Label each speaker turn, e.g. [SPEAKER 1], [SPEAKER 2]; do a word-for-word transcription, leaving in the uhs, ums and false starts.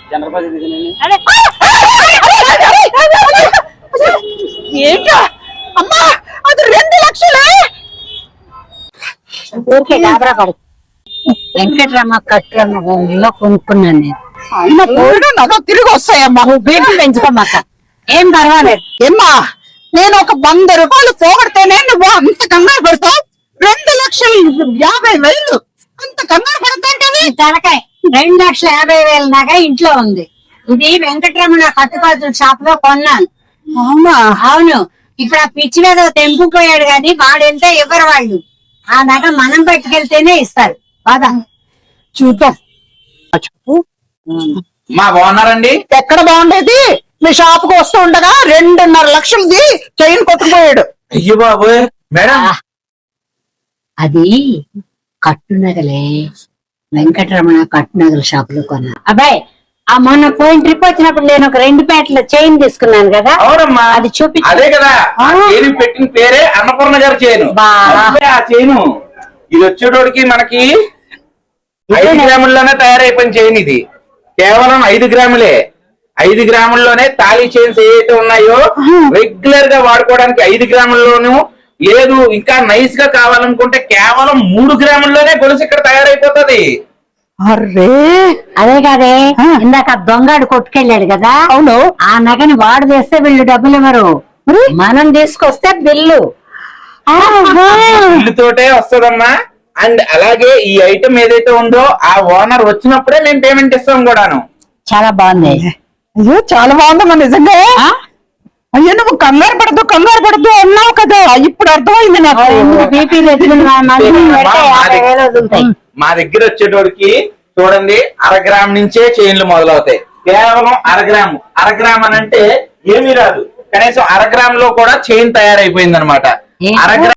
[SPEAKER 1] ఏంటా అమ్మా అది రెండు లక్షలే
[SPEAKER 2] ఊరికే గాబరా పడు. వెంకటరమ్మ కట్టులో కొనుక్కున్నాను నేను.
[SPEAKER 1] నగ తిరిగి వస్తాయమ్మా.
[SPEAKER 2] నువ్వు బీపీ పెంచుకోమాక, ఏం పర్వాలేదు.
[SPEAKER 1] ఏమ్మా నేను ఒక వంద రూపాయలు పోగొడితేనే నువ్వు అంత కంగారు పడతావు? రెండు లక్షలు యాభై వేలు అంత కంగారు పడతాంటది?
[SPEAKER 2] తలకాయ రెండు లక్షల యాభై వేల దాకా ఇంట్లో ఉంది. ఇది వెంకటరమణ కట్టుకోవాల్సిన షాప్ లో కొన్నాను.
[SPEAKER 1] అవునా?
[SPEAKER 2] అవును. ఇప్పుడు ఆ పిచ్చి మీద తెంపుపోయాడు కానీ వాడెళ్తే ఇవ్వరు వాళ్ళు. ఆ నగ మనం పట్టుకెళ్తేనే ఇస్తారు. బాగా
[SPEAKER 1] చూద్దాం. చెప్పు
[SPEAKER 3] మా బాగున్నారండి?
[SPEAKER 1] ఎక్కడ బాగుండేది? మీ షాప్ కు వస్తూ ఉండగా రెండున్నర లక్షలది చైన్ కొట్టుకుపోయాడు.
[SPEAKER 3] అయ్యో బాబు మేడం,
[SPEAKER 2] అది కట్టునగలే, వెంకటరమణ కట్టునగల షాప్ లో కొన్నా. అబ్బాయి, ఆ మొన్న పోయిన ట్రిప్ వచ్చినప్పుడు నేను ఒక రెండు పేటల చైన్ తీసుకున్నాను కదా.
[SPEAKER 3] అవునమ్మా,
[SPEAKER 2] అది చూపి.
[SPEAKER 3] అదే కదా ఆ చైన్ పెట్టిన పేరే అన్నపూర్ణ గారి చైన్. ఆ చైను ఇది వచ్చేటోడికి మనకి ఐదు గ్రాముల్లోనే తయారైపోయిన చైన్. ఇది కేవలం ఐదు గ్రాములే. ఐదు గ్రాముల్లోనే తాళీ చైన్స్ ఏవైతే ఉన్నాయో రెగ్యులర్ గా వాడుకోవడానికి ఐదు గ్రాముల్లోనూ లేదు, ఇంకా నైస్ గా కావాలనుకుంటే కేవలం మూడు గ్రాముల్లోనే గొలుసు ఇక్కడ తయారైపోతుంది.
[SPEAKER 1] అర్రే
[SPEAKER 2] అదే కాదే, ఇందాక దొంగడు కొట్టుకెళ్ళాడు కదా.
[SPEAKER 1] అవును.
[SPEAKER 2] ఆ నగని వాడు చేస్తే వీళ్ళు డబ్బులు ఇవ్వరు, మనం తీసుకొస్తే బిల్లు.
[SPEAKER 3] బిల్లుతోటే వస్తుందమ్మా. అండ్ అలాగే ఈ ఐటమ్ ఏదైతే ఉందో ఆ ఓనర్ వచ్చినప్పుడే మేము పేమెంట్ ఇస్తాం కూడాను.
[SPEAKER 2] చాలా బాగుంది.
[SPEAKER 1] అయ్యో చాలా బాగుందమ్మా నిజంగా. అయ్యో నువ్వు కంగారు పడద్దు కంగారు పడద్దు అన్నావు కదా, ఇప్పుడు అర్థమైంది నాకు.
[SPEAKER 2] బీపీ
[SPEAKER 3] మా దగ్గర వచ్చేటోడికి చూడండి అర గ్రామ్ నుంచే చైన్లు మొదలవుతాయి. కేవలం అర గ్రాము అర గ్రామ్ అని అంటే ఏమీ రాదు, కనీసం అర గ్రామ్ లో కూడా చైన్ తయారైపోయింది అనమాట. అర గ్రామ్